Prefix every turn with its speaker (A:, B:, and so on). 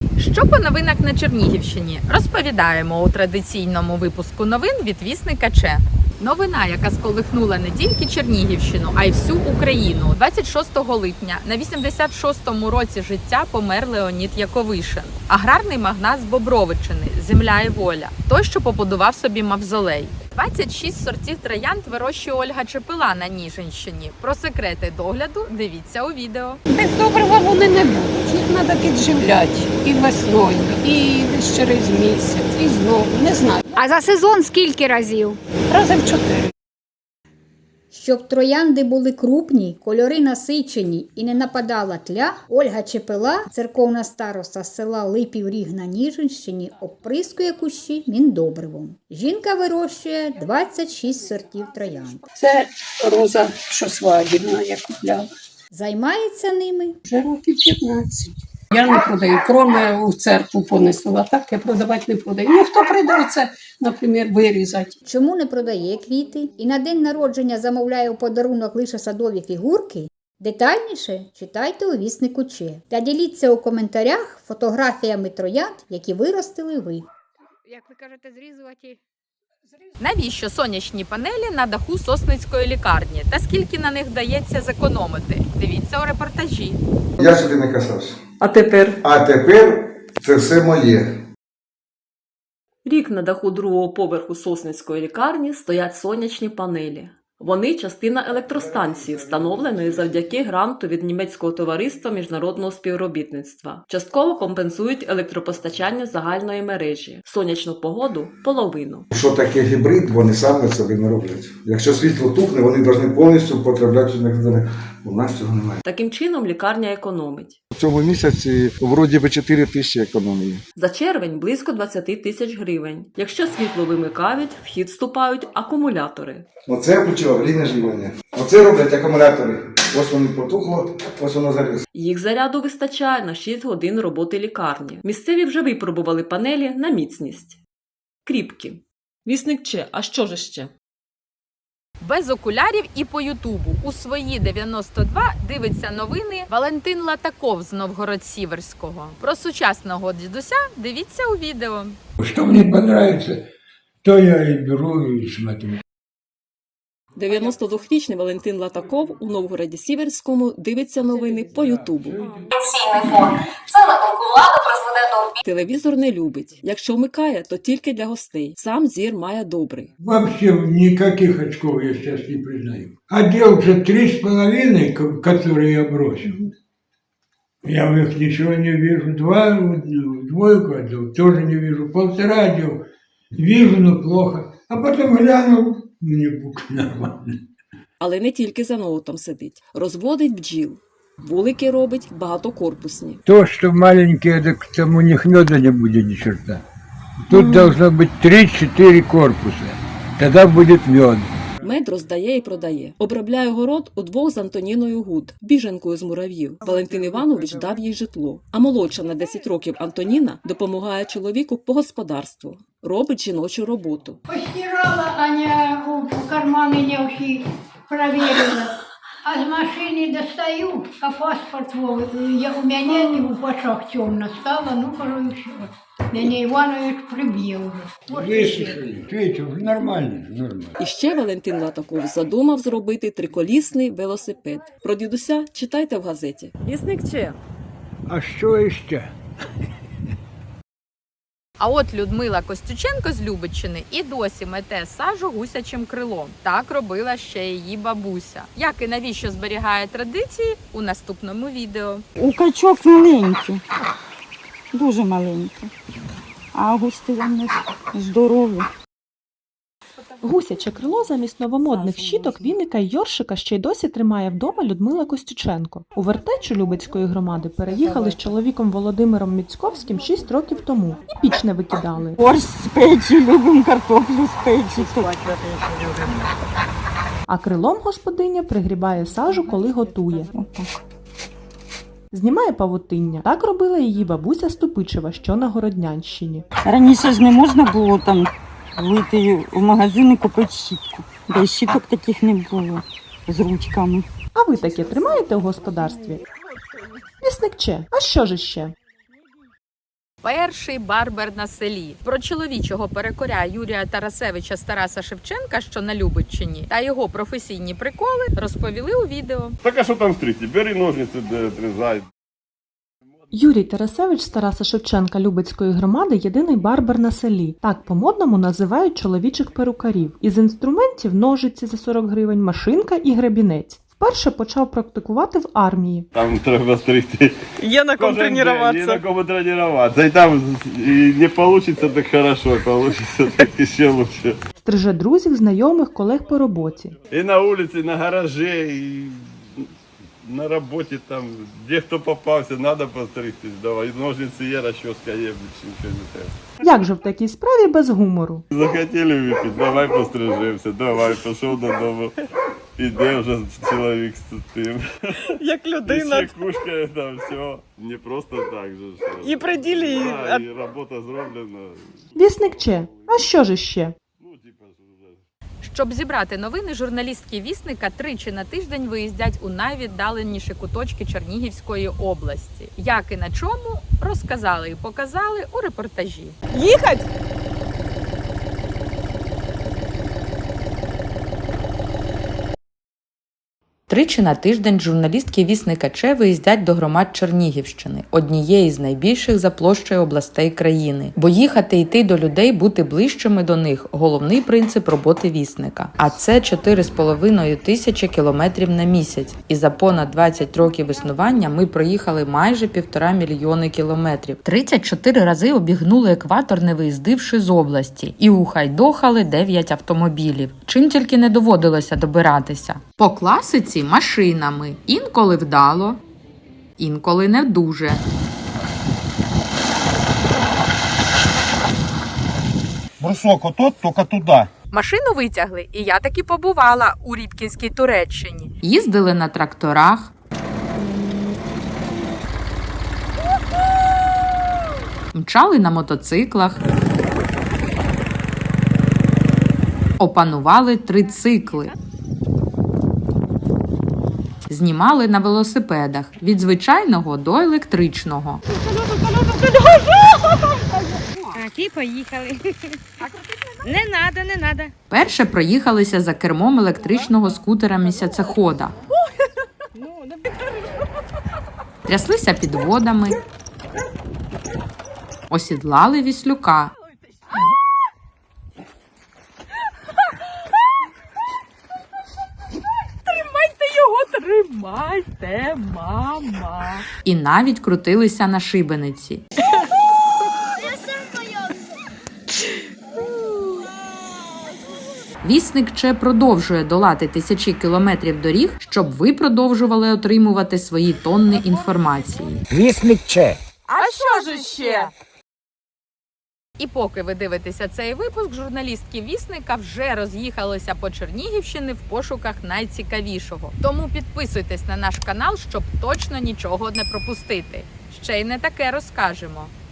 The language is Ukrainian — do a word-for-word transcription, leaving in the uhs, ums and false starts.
A: Що по новинах на Чернігівщині? Розповідаємо у традиційному випуску новин від вісника Че. Новина, яка сколихнула не тільки Чернігівщину, а й всю Україну. двадцять шостого липня на вісімдесят шостому році життя помер Леонід Яковишин. Аграрний магнат з Бобровичини, земля і воля. Той, що побудував собі мавзолей. двадцять шість сортів троянд вирощує Ольга Чепила на Ніжинщині. Про секрети догляду дивіться у відео.
B: Без добрива вони не будуть. Їх треба підживляти і весною, і через місяць, і знову. Не знаю.
C: А за сезон скільки разів?
B: Рази в чотири.
D: Щоб троянди були крупні, кольори насичені і не нападала тля, Ольга Чепила, церковна староста з села Липів Ріг на Ніжинщині, оприскує кущі міндобривом. Жінка вирощує двадцять шість сортів троянд.
B: Це роза, що свадібна, я купляла.
D: Займається ними
B: Вже років п'ятнадцять. Я не продаю, кроме у церкву понесла, так я продавати не продаю. Ну, хто прийде оце, наприклад, вирізати.
D: Чому не продає квіти і на день народження замовляє у подарунок лише садові фігурки? Детальніше читайте у віснику Че. Та діліться у коментарях фотографіями троянд, які виростили ви.
C: Як ви кажете, зрізувати?
A: Навіщо сонячні панелі на даху Сосницької лікарні? Та скільки на них вдається зекономити? Дивіться у репортажі.
E: Я сюди не касався.
F: А тепер?
E: А тепер це все моє.
F: Рік на даху другого поверху Сосницької лікарні стоять сонячні панелі. Вони – частина електростанції, встановленої завдяки гранту від німецького товариства міжнародного співробітництва. Частково компенсують електропостачання загальної мережі. Сонячну погоду – половину.
E: Що таке гібрид, вони самі собі не роблять. Якщо світло тухне, вони повинні повністю потрапляти в них. У нас цього немає.
F: Таким чином лікарня економить.
E: В цьому місяці вроді би чотири тисячі економії.
F: За червень – близько двадцять тисяч гривень. Якщо світло вимикають, в хід вступають акумулятори.
E: Оце я включив аварійне живлення. Оце роблять акумулятори. Ось вони потухло, ось воно заліз.
F: Їх заряду вистачає на шість годин роботи лікарні. Місцеві вже випробували панелі на міцність. Кріпкі. Вісник Че, а що ж ще?
A: Без окулярів і по Ютубу. У свої дев'яносто два дивиться новини Валентин Латаков з Новгород-Сіверського. Про сучасного дідуся дивіться у відео.
G: Что мне понравится, то я и беру и смотрю.
F: дев'яносто двохрічний Валентин Латаков у Новгороді-Сіверському дивиться новини по Ютубу.
H: Пенсійний фонд. Це, на думку влади, призведе до
F: Телевізор не любить. Якщо вмикає, то тільки для гостей. Сам зір має добрий.
G: Вообще никаких очков я сейчас не признаю. Одел уже три с половиной, ко- которые я бросил. Я в них ничего не вижу. Два, двойку отдал, тоже не вижу. Полтора отдел, вижу, но плохо. А потом глянул, мне бук нормально.
F: Але не тільки за ноутом сидить. Розводить бджіл. Вулики робить багатокорпусні.
G: То, что маленькие, так там у них меда не будет ни черта. Тут должно быть три-четыре корпуса. Тогда будет мед.
F: Мед роздає і продає. Обробляє город удвох з Антоніною Гуд, біженкою з мурав'їв. Валентин Іванович дав їй житло. А молодша на десять років Антоніна допомагає чоловіку по господарству. Робить жіночу роботу.
I: Постирала, Аня у карманы не всі проверила. А з машини достаю, а паспорт Вовы, я, у мене і у пачах темно стало, ну, кажу, і все. Мене Іванович приб'є вже.
G: Высушили. Видите, уже нормально, нормально.
F: І ще Валентин Латаков задумав зробити триколісний велосипед. Про дідуся читайте в газеті. Вісник Че.
G: А что еще?
A: А от Людмила Костюченко з Любиччини і досі мете сажу гусячим крилом. Так робила ще її бабуся. Як і навіщо зберігає традиції – у наступному відео.
J: У качок маленькі, дуже маленькі, а густи вони здорові.
K: Гусяче крило замість новомодних щіток, віника й йоршика ще й досі тримає вдома Людмила Костюченко. У вертечу Любецької громади переїхали з чоловіком Володимиром Міцьковським шість років тому і піч не викидали.
J: Борщ з печі, любимо картоплю з печі.
K: А крилом господиня пригрібає сажу, коли готує.
J: Отак.
K: Знімає павутиння. Так робила її бабуся Ступичева, що на Городнянщині.
J: Раніше ж не можна було там вийти в магазин і купити щітку. Де щіток таких не було з ручками.
K: А ви таке тримаєте у господарстві? Вісник Че, а що ж іще?
A: Перший барбер на селі. Про чоловічого перекоря Юрія Тарасевича з Тараса Шевченка, що на Любиччині, та його професійні приколи розповіли у відео.
L: Так а що там стригти? Бери ножниці, відрізай.
K: Юрій Тарасевич з Тараса Шевченка Любецької громади – єдиний барбер на селі. Так по-модному називають чоловічих перукарів. Із інструментів – ножиці за сорок гривень, машинка і гребінець. Вперше почав практикувати в армії.
L: Там треба стригти.
F: Є на ком тренуватися.
L: Є на кому тренуватися. І там і не вийде так хорошо, вийде так ще краще.
K: Стриже друзів, знайомих, колег по роботі.
L: І на вулиці, на гаражі, і на роботі там, де хто попався, треба постригтись. Давай, ножниці є, розчоска є, більше нічого не треба.
K: Як же в такій справі без гумору?
L: Захотіли випити, давай пострижемося, давай, пішов додому. Іде вже чоловік з тим.
F: Як людина.
L: І ще кушкає там, все. Не просто так же.
F: І при ділі, і-
L: Да, і робота зроблена.
K: Вісник Че. А що ж іще?
L: Ну, типа, вже.
A: Щоб зібрати новини, журналістки «Вісника» тричі на тиждень виїздять у найвіддаленіші куточки Чернігівської області. Як і на чому, розказали і показали у репортажі.
F: Їхать?
A: Тричі на тиждень журналістки «Вісника Че» виїздять до громад Чернігівщини, однієї з найбільших за площею областей країни. Бо їхати і йти до людей, бути ближчими до них – головний принцип роботи «Вісника». А це чотири з половиною тисячі кілометрів на місяць. І за понад двадцять років існування ми проїхали майже півтора мільйони кілометрів. тридцять чотири рази обігнули екватор, не виїздивши з області. І ухайдохали дев'ять автомобілів. Чим тільки не доводилося добиратися. По класиці машинами. Інколи вдало, інколи не дуже.
L: Брусок отот, тільки туди.
A: Машину витягли, і я таки побувала у Рібкінській Туреччині. Їздили на тракторах. Мчали на мотоциклах. Опанували трицикли. Знімали на велосипедах від звичайного до електричного.
C: А ті поїхали. Не надо, не надо.
A: Перше проїхалися за кермом електричного скутера місяцехода. Тряслися під водами. Осідлали віслюка. Тримайте, мама. І навіть крутилися на шибениці. Вісник Че продовжує долати тисячі кілометрів доріг, щоб ви продовжували отримувати свої тонни інформації.
M: Вісник Че.
K: А що ж іще?
A: І поки ви дивитеся цей випуск, журналістки «Вісника» вже роз'їхалися по Чернігівщині в пошуках найцікавішого. Тому підписуйтесь на наш канал, щоб точно нічого не пропустити. Ще й не таке розкажемо.